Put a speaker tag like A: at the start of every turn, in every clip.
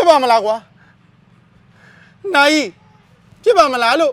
A: ပါမလားကွာနိုင်ဖြစ်ပါမလားလို့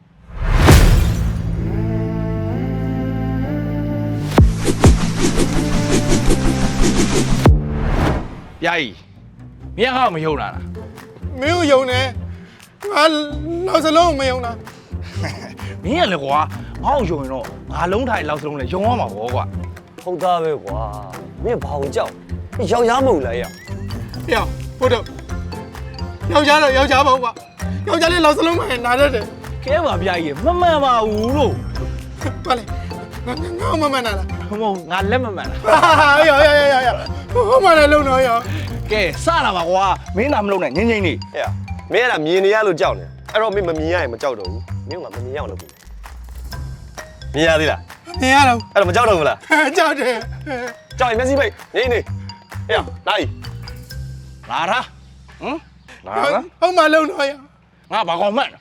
B: ပြာကြီးမင်းငါ့ကိုမယုံလား
A: မင်းကိုယုံနေငါနောက်စလုံးမယုံတာ
B: မင်းကလည်းကွာငါ့ကိုယုံရင်တော့ငါလုံးထိုင်လောက်စလုံးလည်းယုံရမှာပေါ့ကွာ
C: ဟုတ်သားပဲကွာမင်းဘာကိုကြောက်ယောက်ျားမဟုတ်လားရ
A: ဟေ့ဖို့တော့ယောက်ျားတော့ယောက်ျားပေါ့ကွာယောက်ျားလေးလောက်စလုံးမှနားတတ်တယ်
B: ကဲပါပြာကြီးမမှန်ပါဘူးလို့
A: ပါလေငါမမနာလား
B: ဟိုမငါလက်မမှန်လား
A: ဟာယောဟိုမှလည်းလုံတော့ယော
B: ကဲစလာပါကွာမင်းသာမလုပ်နဲ့ငင်းငင်းလေး
C: ဟဲ့မင်းအဲ့ဒါမြင်နေရလို့ကြောက်နေအဲ့တော့မင်းမမြင်ရရင်မကြောက်တော့ဘူးမင်းကမမြင်ရအောင်လုပ်ပြီမြင်ရသေးလား
A: မြင်ရတော့
C: အဲ့တော့မကြောက်တော့ဘူးလား
A: ကြောက်တယ်
C: ကြောက်ရင်မျက်စိပိတ်ငိမ့်နေဟဲ့နိုင်
B: လာတာဟမ်လာတာ
A: ဟုတ်မှလုံတော့ယော
B: ငါဘာကောင်မှန်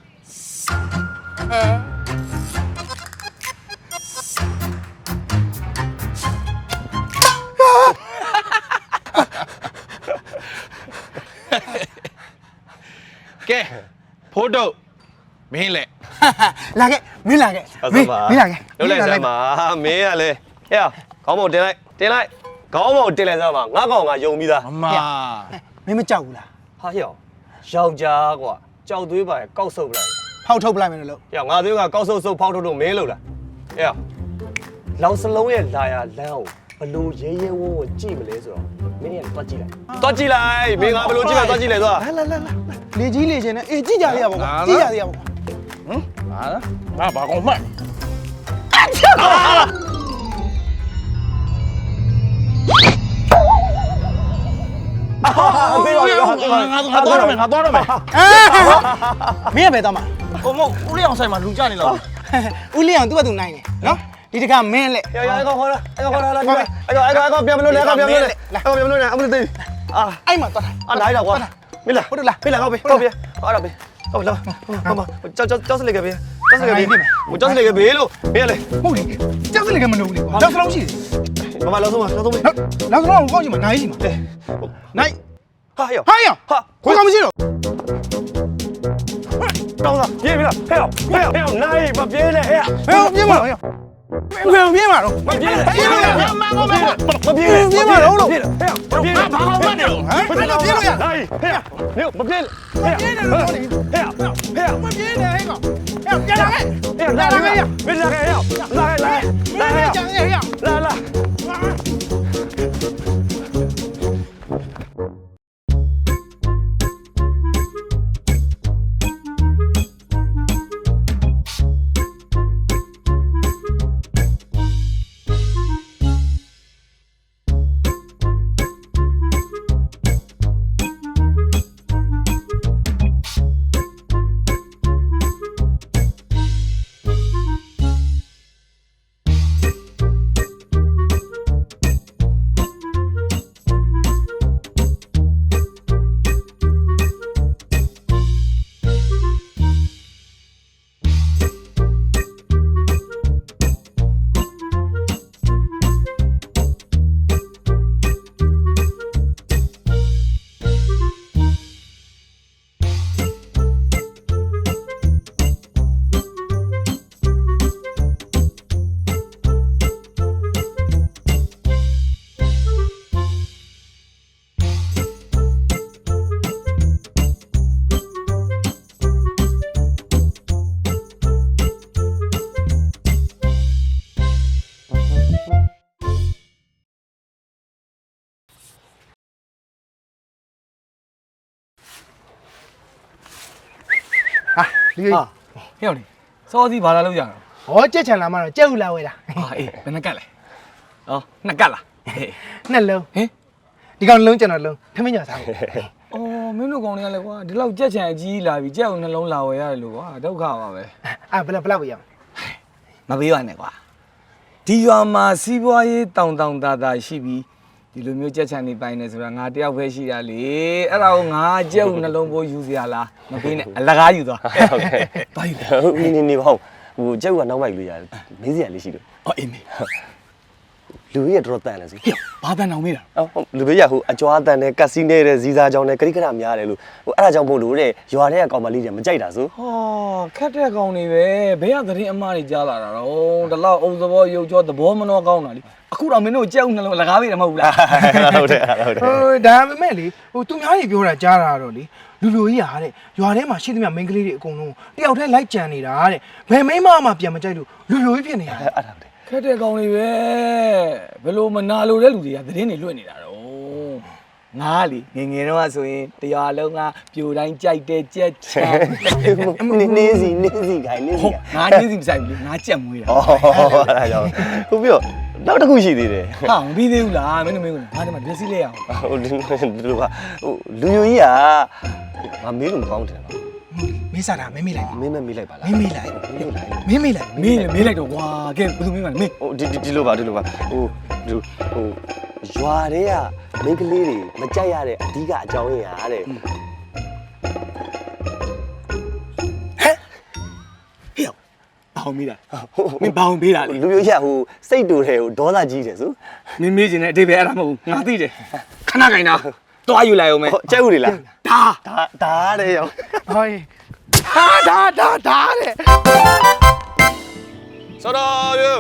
B: ကဲဖိုးတော့မင်းလေ
A: လာခဲ့မင်းလာခဲ့မင်းလာခဲ့
C: လုပ်လိုက်စမ်းပါမင်းကလေဟဲ့ခေါင်းမောင်တင်လိုက်ခေါင်းမောင်တင်လိုက်စမ်းပါငါကောင်ကယုံပြီးသား
B: အမ
A: မင်းမကြောက်ဘူးလား
C: ဟာဟဲ့ယောက်ျားကွာကြောက်သွေးပါရဲ့ကောက်ဆုပ်လိုက်
A: ဖောက်ထုတ်ပလိုက်မယ်လို့
C: ဟဲ့ငါသွေးကကောက်ဆုပ်ဖောက်ထုတ်မင်းလို့လားဟဲ့လောင်စလုံးရဲ့လာရလမ်းကိုဘလို့ရဲရဲဝုန်းဝကြည့်မလဲဆိုတော့မင်းကတွားကြည့်လိုက်မင်းကဘလို့ကြည့်လဲတွားကြည့်လိုက်သွား
A: လာလေကြီးလေချင်းနဲ့အေးကြည့်ကြရပါကွာကြည့်ကြရပါကွာ
B: ဟမ်ငါဘာကောင်မှန်
C: ပေးပါရော
B: ငါတော့ရမယ်
A: မင်းကပဲတော့မှာ
B: ဟိုမဟုတ်ဦးလေးအောင်ဆိုင်မှာလူကြနေလောက်
A: ဦးလေးအောင်သူ့ဘက်သူနိုင်တယ်နော်ဒီတခါမင်းလက်
C: ရအဲ့ကောင်ခေါ်လာအဲ့ကောင်ပြန်မလို့လေပြန်မလို့လေအမလို့သေးအာ
A: အဲ့မှာသွား
C: အာလာရကွာမင်းလာဟုတ်လားဖေးလာဟောပေးဟောပေးဟာလာပေးဟုတ်လားကြောက်စလေကပေးကြောက်စလေကပေးကြောက်စလေကပေးလို့မင်းလေ
A: ဟုတ်လေကြောက်စလေကမလို့လေကြောက်စလုံးရှိတယ်
C: မမလောက်ဆုံးလောက်ဆုံး
A: နောက်ဆုံးကောင်းချင်မှာနိုင်ရှိမှာနိုင်
C: ဟာယော
A: ဟာရခွေးကောင်မရှိတော့
C: တောင်းတာပြေးပြီလားဟဲ့နိုင်မပြေးနဲ့ဟဲ့
A: ဘယ်ပြေးမှာတော့ဘယ်ပြေးမှာတော့
C: မပြေးနဲ့
A: ပြေးလို့ရ
C: မပြေးနဲ့
A: ပြေးမှာတော့လို့
C: ဟဲ့မပြေးနဲ့
B: ဘာကောင်မှန်တယ်လို့
A: ဟမ်ပြေးလို့ရ
C: နိုင်ဟဲ့မပြေးဟဲ့
A: ပြေးတယ်လို့လေ
C: ဟဲ့
A: မပြေးနဲ့ဟဲ့ကောင်ပြန်လာခဲ့
C: လာခဲ့မင်းလာခဲ့ဟဲ့လာခဲ့
A: ကြံရရ
C: လာ
A: ဟာဒီ
B: ဟဲ့အောင်လေစောစီဘာလာလောက်ကြတာ
A: ဟောကြက်ချန်လာမှတော့ကြက်ဥလာဝဲတာ
B: ဟာအေးဘယ်နှကတ်လဲဩနှစ်ကတ်လားဟေး
A: နှစ်လုံး
B: ဟင်
A: ဒီကောင်လုံးကျွန်တော်လုံးထမင်းညာစားဘူး
B: အော်မင်းတို့ကောင်တွေကလည်းကွာဒီလောက်ကြက်ချံအကြီးလာပြီကြက်အောင်နှလုံးလာဝယ်ရတယ်လို့ကွာဒုက္ခပါပဲ
A: ဘယ်လောက်ပဲရအောင်
B: မပေးပါနဲ့ကွာဒီရွာမှာစီးပွားရေးတောင်တာတာရှိပြီးဒီလိုမျိုးကြက်ချံနေပိုင်နေဆိုတာငါတယောက်ပဲရှိတာလေအဲ့ဒါကိုငါကြက်ဦးနှလုံးပိုးယူစရာလားမပေးနဲ့အလကားယူသွား
C: ဟုတ်ကဲ့
B: ဘာယူ
C: နေပါဦးဟိုကျုပ်ကနောက်မိုက်လို့ရတယ်မေးစရာလေးရှိလို့
B: အော်အေးမေ
C: လူကြီးကတော်တော်တန်တယ်စီ
B: ဟေ့ဘာတန်အောင်မေးတာ
C: လူဘေးရဟိုအကြွားတန်နဲ့ကက်စီနေတဲ့ဇီစာကြောင်နဲ့ဂရိကရများတယ်လို့ဟိုအဲ့ဒါကြောင့်မို့လို့တဲ့ရွာထဲကကောင်မလေးတွေမကြိုက်တာဆို
B: ဟောခက်တဲ့ကောင်တွေပဲဘယ်ကသတင်းအမှားတွေကြားလာတာတော့ဒီလောက်အုံသဘောရုပ်ကြောသဘောမနှောကောင်းတာလေအခုတော့မင်းတို့ကြောက်နှလုံးလကားပေးတယ်မဟုတ်ဘူးလား
C: ဟုတ်တယ်ဟုတ်တယ်
D: ဒါပေမဲ့လေဟိုသူများကြီးပြောတာကြားတာတော့လေလူလူကြီးဟာတဲ့ရွာထဲမှာရှိသမျှမိန်းကလေးတွေအကုန်လုံးတယောက်တည်းလိုက်ကြံနေတာတဲ့ဘယ်မိန်းမမှပြန်မကြိုက်လို့လူလူကြီးဖြစ်နေတာ
C: အဲ့ဒါဟုတ်တယ်
B: ခက်တဲ့ကောင်တွေပဲဘယ်လိုမနာလို့တဲ့လူတွေကသတင်းတွေလွှင့်နေတာတော့ငါလေငငယ်တော့ဆိုရင်တရားလုံးကပြိုတိုင်းကြိုက်တဲ့ကြက်ချောင်း
C: နေစီခိုင်နေစီ
B: ငါနေစီမဆိုင်ဘူးငါကြက်မွေးတာ
C: ဩအဲ့ဒါကြောင့်ဟုတ်ပြီးတော့နောက်တစ်ခုရှိသေးတယ်
B: ဟာမပြီးသေးဘူးလားမင်းတို့မင်းတို့ငါဒီမှာမျက်စိလေးရအောင်
C: ဟိုဒီလိုပါဟိုလူယိုကြီးကငါမေးလို့မကောင်းတယ်ပါ
D: မေးစားတာမေးမိလိုက်ပါ
C: မင်းမမေးလိုက်ပါလား
D: မေးမိလိုက်
C: မေးလိုက်
D: မေးမိလိုက်
B: မင်းမေးလိုက်တော့ကွာကဲဘယ်သူမင်းမလဲမင်း
C: ဟိုဒီလိုပါဟိုရွာတွေကမိန်းကလေးတွေမကြိုက်ရတဲ့အဓိကအကြောင်းရင်းဟာတဲ့
B: ဟေ့ဘောင်မေးတာမင်းဘောင်ပေးတာလေ
C: လူယိုကြီးကဟိုစိတ်တူတယ်ဟိုဒေါသကြီးတယ်ဆို
B: မင်းမေးချင်တဲ့အတိတ်ပဲအဲ့ဒါမဟုတ်ဘူးငါသိတယ်ခဏခိုင်တာတွားယူလိုက်အောင်မယ်
C: ကြိုက်ဦးလေလား
B: ဒါ
C: တဲ့ရော
D: ဟောဒါတဲ့
C: စောတော်ပြု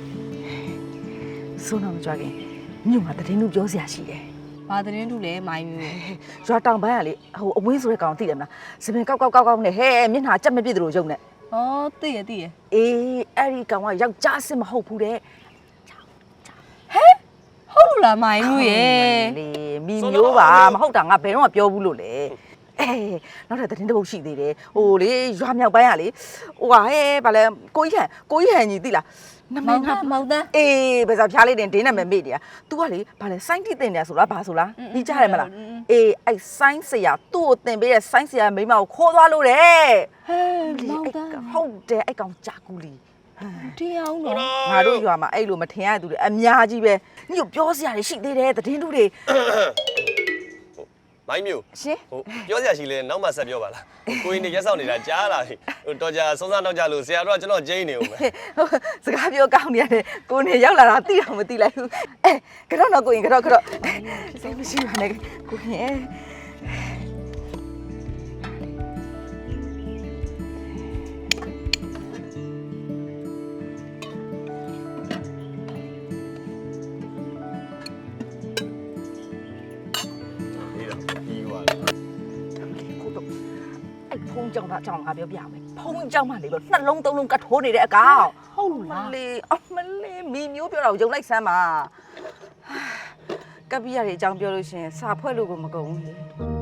E: ဆိုတော့မကြွားခင်မြို့မှာတည်င်းလူပြောစရာရှိတယ်
F: ဘာသတင်းတူလဲမိုင်းမျိုး
E: ရွာတောင်ပိုင်းကလေဟိုအဝင်းဆိုတဲ့ကောင်သိတယ်မလားစပင်ကောက်ကောက်နဲ့ဟဲမျက်နှာကြက်မပြည့်သလိုရုပ်နဲ့
F: ဩသိရသိရ
E: အေးအဲ့ဒီကောင်ကယောက်ျားစစ်မဟုတ်ဘူးတဲ့
F: ဟုတ်လို့လားမိုင်းမျိုးရဲ့
E: လေမီမျိုးပါမဟုတ်တာငါဘယ်တော့မှပြောဘူးလို့လေအေးနောက်ထပ်တည်င်းတစ်ပုတ်ရှိသေးတယ်ဟိုလေရွာမြောက်ပိုင်းကလေဟိုဟာဟဲဗာလဲကိုကြီးဟန်ကြီးသိလားနမ
F: မော
E: ည်
F: င်
E: ငါ
F: သားမောင်သား
E: အေးဘယ်စားဖျားလေးတင်ဒင်းနာမည်မေ့နေတာ तू ကလေဘာလဲစိုင်းတိတင်တယ်ဆိုလားဘာဆိုလားဒီကြားတယ်မလားအေးအဲ့စိုင်းဆရာသူ့ကိုတင်ပေးတဲ့စိုင်းဆရာမိမကိုခိုးသွားလို့တဲ့
F: ဟဲမောင်သား
E: ဟုတ်တယ်အဲ့ကောင်ကြာကူလီ
F: တရားအောင်တော့
E: ငါတို့ရွာမှာအဲ့လိုမထင်ရတဲ့သူတွေအများကြီးပဲညို့ပြောစရာတွေရှိသေးတယ်သတင်းတူတွေ
C: မိုင်းမျိုး
E: ရှင်
C: ဟိုပြောစရာရှိလဲနောက်မှဆက်ပြောပါလားကိုင်းနေရက်ဆောင်နေတာကြားလာပြီဟိုတော်ကြာစုံစမ်းတော့ကြလို့ဆရာတို့ကကျွန်တော်ကျင်းနေဦးမယ်
E: စကားပြောကောင်းနေရတယ်ကိုနေရောက်လာတာသိတော့မသိလိုက်ဘူးအဲကတော့တော့ကိုရင်ကတော့စိတ်မရှိပါနဲ့ကိုရင်
C: ပြီးသွားတယ်
E: ကိုတော့အဲ့ဖုံးကြောင်တာကြောင်ငါပြောပြမယ်ဖုံးကြောင်မှလေလို့နှလုံးသုံးလုံးကတ်ထိုးနေတဲ့အကောင်
F: ဟုတ်လို့လား
E: လေအမလေးမီမျိုးပြောတာကိုယုံလိုက်စမ်းပါကပ်ပြရတဲ့အကြောင်းပြောလို့ရှင်စာဖွဲ့လို့ကိုမကုန်ဘူးလေ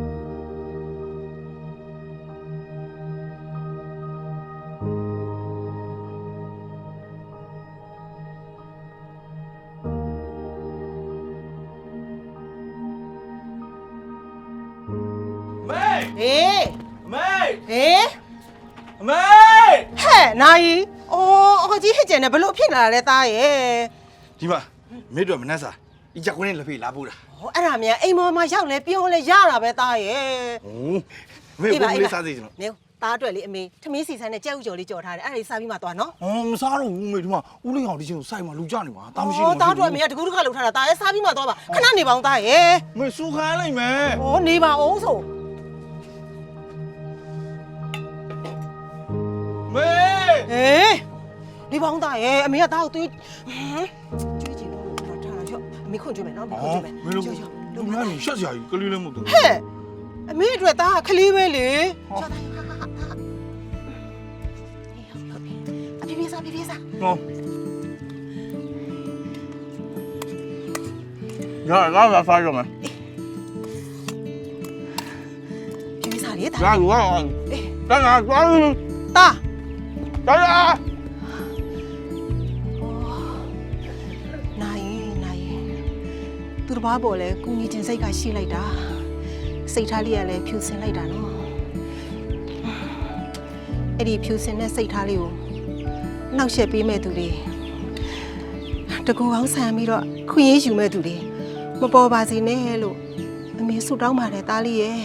A: မေ
D: ဟေး
A: မေ
D: ဟေး
A: မေ
D: ဟဲ့နိုင်အော်အကြီးဟစ်ကျန်နေဘလို့ဖြစ်လာလဲသားရဲ့
A: ဒီမှာမေတို့မနှက်စားဒီကြောက်ခွင်းလက်ဖေးလာပို့တာ
D: ဟောအဲ့ဒါမြန်အိမ်ပေါ်မှာရောက်လဲပြောလဲရတာပဲသားရဲ့
A: မေဘုံလေးစားသေးကျွန်တော်
D: နေသားအတွက်လေအမေထမင်းစီဆိုင်နဲ့ကြက်ဥကြော်လေးကြော်ထားတယ်အဲ့ဒါလေးစားပြီးမှသွားနော်
A: မစားတော့ဘူးမေဒီမှာဦးလေးအောင်ဒီချင်းကိုစိုက်မှာလူကြနေမှာတာမရှိဘူး
D: သားအတွက်အမေကတကူးတခါလှုပ်ထားတာသားရဲ့စားပြီးမှသွားပါခဏနေပါအောင်သားရဲ့
A: မေစူခိုင်းလိုက်မယ်
D: ဟောနေပါအောင်ဆို
A: မေ
D: ဟေးနေပါအောင်သားရဲ့အမေကသားကိုသွေးကျွေးချင်လို့တော့ထားတာချော့အမေခွန့်ကျွေးမယ်နော်အမေခွန့်ကျွေးမယ်
A: မေလို့လူများနေရှက်စရာကြီးကလေးလည်းမဟုတ်ဘူး
D: ဟဲ့အမေအတွက်သားကခလေးပဲလေချော့သားဟာပြေးစား
A: ဟောရစားရမယ်
D: ပြေးစားလေသား
A: ရလူကတန်းလာသွား
D: သား
A: တော်ရ
D: နိုင်သူတစ်ပါးပေါ်လဲကုညီတင်စိတ်ကရှိလိုက်တာစိတ်ထားလေးကလည်းဖြူစင်လိုက်တာနော်အဲ့ဒီဖြူစင်တဲ့စိတ်ထားလေးကိုနှောက်ယှက်ပေးမဲ့သူတွေတကူအောင်ဆန်ပြီးတော့ခွင့်ရယူမဲ့သူတွေမပေါ်ပါစေနဲ့လို့အမေဆုတောင်းပါတယ်သားလေးရဲ့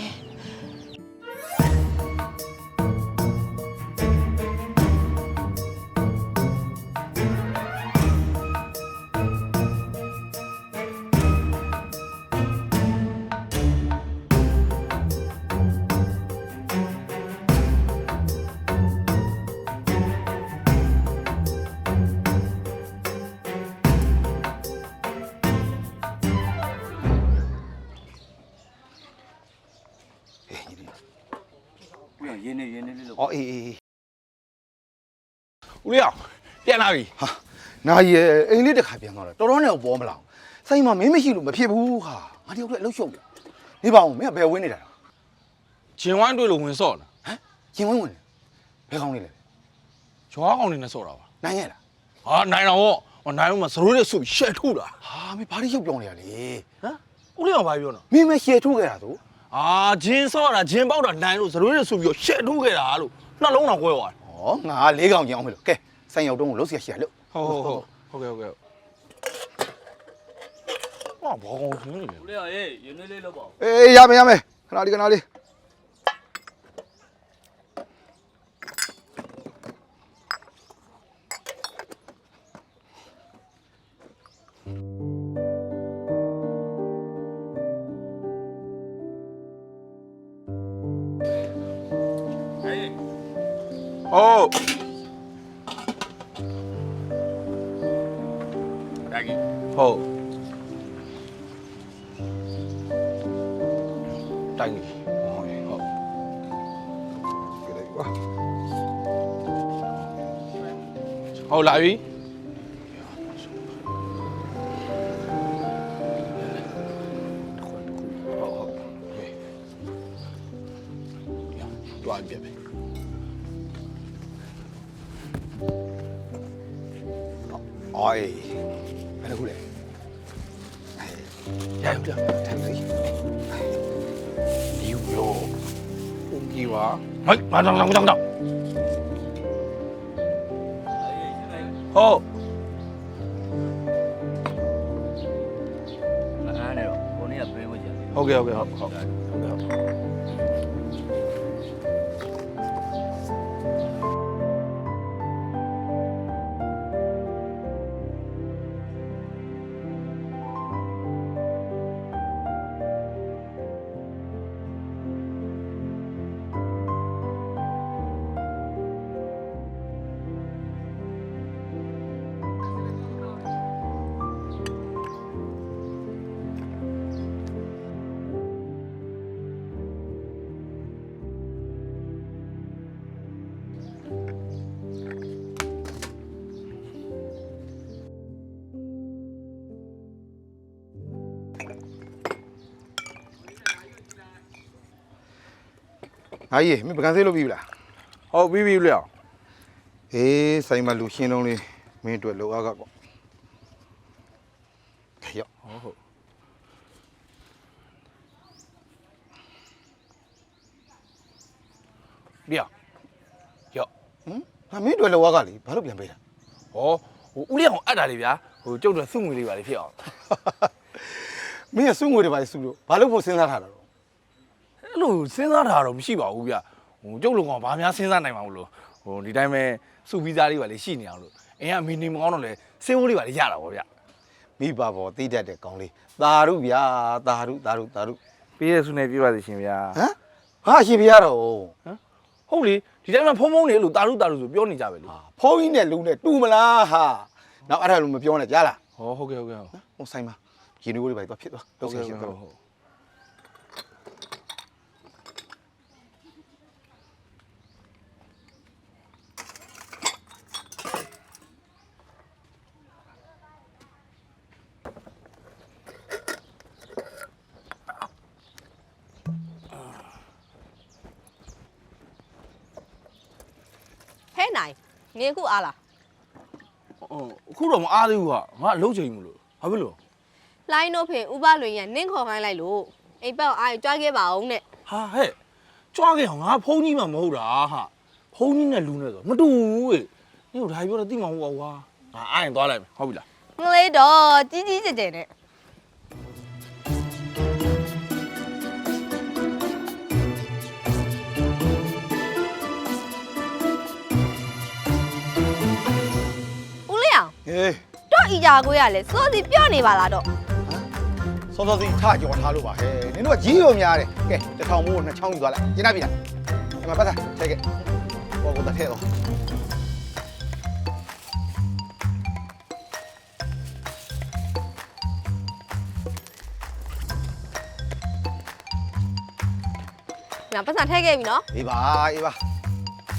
G: အော်အေးအေး
A: ဦးလေးအောင်ပြန်လာပြီ
G: ဟာနာရီရဲ့အိမ်လေးတစ်ခါပြန်သွားတော့တော်တော်နဲ့ပေါ်မလာဘူးဆိုင်မှာမင်းမရှိလို့မဖြစ်ဘူးဟာငါတယောက်တည်းအလုပ်ရှုပ်တယ်နေပါဦးမင်းကဘယ်ဝင်းနေတာ
A: ဂျင်ဝိုင်းတွေ့လို့ဝင်စော့လား
G: ဟမ်ရင်ဝင်းဝင်တယ်ဘယ်ကောင်းနေလဲ
A: ဂျွားကောင်နေနဲ့စော့တာပါ
G: နိုင်ရလား
A: ဟာနိုင်တော့ဟောနိုင်တော့မှသရိုးနဲ့ဆုပ်ရှက်ထုတ်တာ
G: ဟာမင်းဘာလို့ရုပ်ပြောနေရလဲ
A: ဟမ်ဦးလေးအောင်ဘာပြောနော်
G: မင်းမရှယ်ထုတ်ခဲ့တာသူ
A: အာဂျင်စော့တာဂျင်ပေါက်တာနိုင်လို့သရိုးနဲ့ဆုပ်ပြီးရှက်ထုတ်ခဲ့တာလို့နှလုံးတော်ကွဲသွားတယ်
G: ဩငါ၄កောင်ကြအောင်မလို့ကဲဆိုင်ရောက်တော့လို့စီရရှိရလို့
A: ဟုတ်ကဲ့ဟာဘောကောင်ရှင်းနေတယ်
B: ဦးလေးရေရင်းနှီးလေးလုပ်ပါဦး
G: အေးရမယ်ခဏလေး
A: ဟုတ်ဒါကြီးဟုတ်တိုင်းကြီးဟုတ်ကဲ့ဟုတ်
G: ကဲလိုက်ကွာ
A: ဟုတ်လာပြီတွားပြပဲ
G: အော်အေးဘယ်လိုလဲ
A: ရရပြထိုင်စီယူရောဦးကြီးပါမိုက်မတောင်းဟုတ်
B: အားနဲ့တော့ကိုနေ့ကပြေးဖို့ကြတယ်
A: ဟုတ်ကဲ့
G: ငါကြီးမင်းပကံဆေးလုပ်ပြီးလား
A: ဟုတ်ပြီလေအောင်
G: အေးဆိုင်မှာလူရှင်းလုံးလေးမင်းအတွက်လောအားကပေါ့ခေရောက်
A: ဟုတ်ပြရော့
G: ဟမ်ငါမင်းအတွက်လောအားကလေဘာလို့ပြန်ပေးတာ
A: ဟောဟိုဦးလေးအောင်အပ်တာလေဗျာဟိုကျုပ်တို့စုငွေလေးပါလေဖြစ်အောင်
G: မင်းကစုငွေတွေပါစုလို့ဘာလို့ဖို့စဉ်းစားထားတာတော့
A: အဲ့လိုစဉ်းစားတာတော့မရှိပါဘူးဗျဟိုကျုပ်လုံကောင်ဘာများစဉ်းစားနိုင်မှာမလို့ဟိုဒီတိုင်းပဲစုဗီဇာလေးပါလေရှိနေအောင်လို့အင်းကမီနီမကောင်းတော့လေစေးဝိုးလေးပါလေရတာပေါ့ဗျ
G: မိဘပေါ်တိတတ်တဲ့ကောင်းလေးသာရုဗျာသာရု
A: ပေးရစုနေပြပါစီရှင်ဗျာ
G: ဟမ်ဟာရှင်ပြရတော့
A: ဟုတ်လေဒီတိုင်းမှာဖုံဖုံနေလို့တာရုဆိုပြောနေကြပဲလေ
G: ဖုန်းကြီးနဲ့လူနဲ့တူမလားဟာနောက်အဲ့ဒါလူမပြောနဲ့ကြားလား
A: ဟောဟုတ်ကဲ့
G: ဟိုဆိုင်မှာရေနွေးလေးပါသွားဖြစ်သွားလောက်ဆက်ရှင်သွား
F: ဟဲ့နိုင်ငင်းခုအားလား
A: အခုတော့မအားသေးဘူးဟာငါအလုပ်ချိန်မလို့ဘာဖြစ်လို့
F: လိုင်းတို့ဖေဥပလွင်ရနင့်ခေါ်ခိုင်းလိုက်လို့အိမ်ဘက်အားကြွားခဲ့ပါအောင်နဲ့
A: ဟာဟဲ့ကြွားခဲ့အောင်ငါဖုန်းကြီးမှမဟုတ်တာဟာဖုန်းကြီးနဲ့လူနဲ့ဆိုမတူဘူးလေညို့ဒါပြောတော့သိမှာမဟုတ်ပါဘူးကွာငါအားရင်သွားလိုက်မယ်ဟုတ်ပြီလား
F: ငလေးတော့ကြီးကြီးကျယ်ကျယ်နဲ့ ဦးလေးအောင်
G: ဟေး
F: တော့ဤကြကိုရလဲစောစီပြော့နေပါလားတော့
G: စောစောစီထားကြော်ထားလို့ပါဟဲ့နင်တို့ကကြီးရောများတယ်ကဲတစ်ထောင်မိုးနှစ်ချောင်းယူသွားလိုက်ကျင်းပြီလားဒီမှာပတ်သားထည့်ခဲ့ဘောကတထဲတော့
F: ငါပတ်စံထည့်ခဲ့ပြီနော်
G: အေးပါ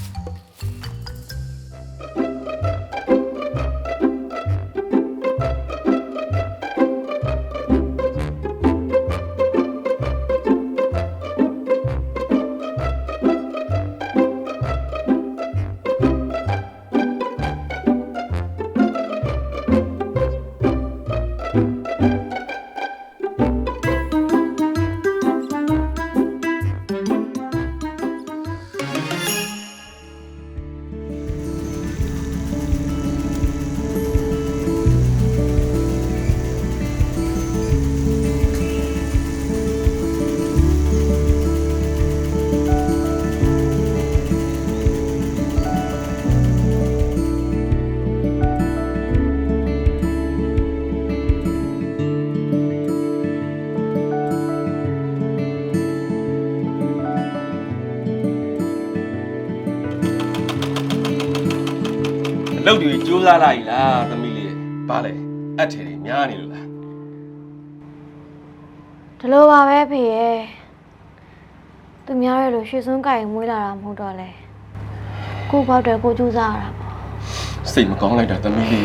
C: တွေကြိုးစားလိုက်လားသမီးလေးဘာလဲအထည်တွေများနေလို့လား
H: ဒီလိုပါပဲဖေရဲ့သူများရဲ့လိုရွှေစွန်းကြိုင်မွေးလာတာမဟုတ်တော့လေကိုဘောက်တယ်ကိုကြိုးစားရတာပေါ့
C: စိတ်မကောင်းလိုက်တာသမီးလေး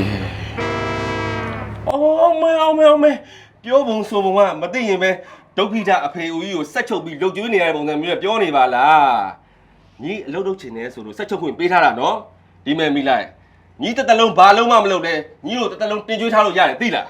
C: အောင်မဲပြောပုံဆိုပုံကမသိရင်ပဲဒုက္ခိတအဖေဦးကြီးကိုဆက်ချုပ်ပြီးလှုပ်ကျွေးနေရတဲ့ပုံစံမျိုးနဲ့ပြောနေပါလားညီအလုပ်လုပ်ချင်နေဆိုလို့ဆက်ချုပ်ခွင့်ပေးထားတာနော်ဒီမဲ့မိလိုက်ညီတစ်သက်လုံးဘာလုံးမှမလုပ်နဲ့ညီတို့တစ်သက်လုံးတင်ကြွေးထားလို့ရတယ်သိလား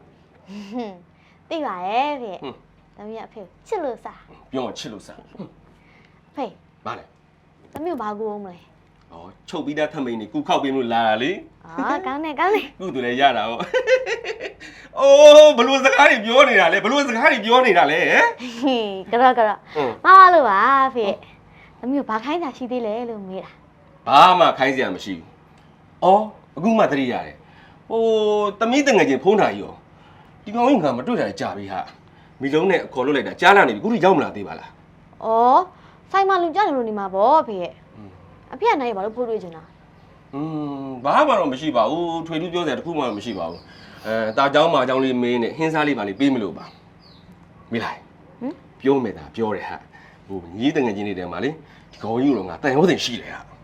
H: သိပါရဲ့ဖေသမီးအဖေချစ်လို့စား
C: ပြောချစ်လို့စား
H: ဖေ
C: ဘာလဲ
H: သမီးကိုဘာကူအောင်မလဲ
C: ဩချုပ်ပြီးသားထမိန်นี่ကူခောက်ပေးလို့လာတာလေ
H: အာကောင်းတယ်
C: ကုသူလည်းရတာဟောအိုးဘလို့စကားတွေပြောနေတာလဲဘလို့စကားတွေပြောနေတာလဲဟမ်
H: ကတော့မမလို့ပါဖေသမီးကိုဘာခိုင်းတာရှိသေးလဲလို့မေးတာ
C: ဘာမှခိုင်းစရာမရှိဘူး။အော်အခုမှသတိရတယ်။ဟိုသမီးတငယ်ချင်းဖုန်းထားကြီးရောဒီကောင်ကြီးကမတွေ့တာကြာပြီဟာ။မီလုံးနဲ့အခေါ်လွတ်လိုက်တာကြားလာနေပြီခုထိရောက်မလာသေးပါလား
H: ဩဆိုင်မှာလူကြတယ်လို့နေမှာပေါ့ဖေအဖေကနိုင်ဘာလို့ဖိုးတွေ့ချင်တာ
C: ။ဘာမှတော့မရှိပါဘူး။ထွေထူးပြောစရာတခုမှမရှိပါဘူး။တာเจ้าမာเจ้าလေးမင်းနဲ့ဟင်းစားလေးပါလေးပေးမလို့ပါ။မိလိုက်။ပြောမယ်သာပြောတယ်ဟာ။ဟိုညီးတငယ်ချင်းတွေတဲမှာလေဒီကောင်ကြီးကတော့ငါတန်ရောတင်ရှိတယ်ဟာ။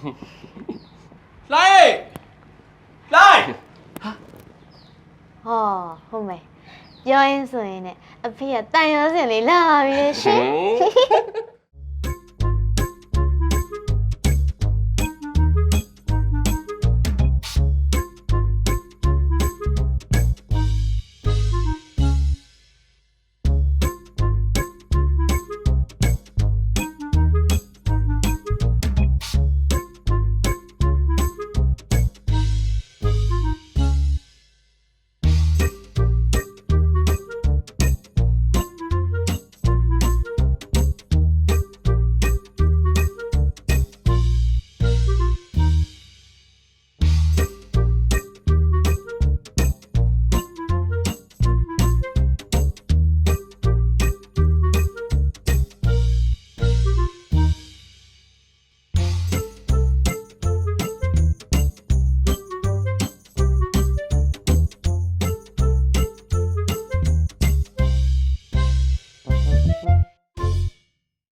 A: လိုက်လိုက်
H: ဟောဟုတ်မယ်ပြောရင်ဆိုရင်ねအဖေကတန်ရောစင်လေးလာပြီလေရှင်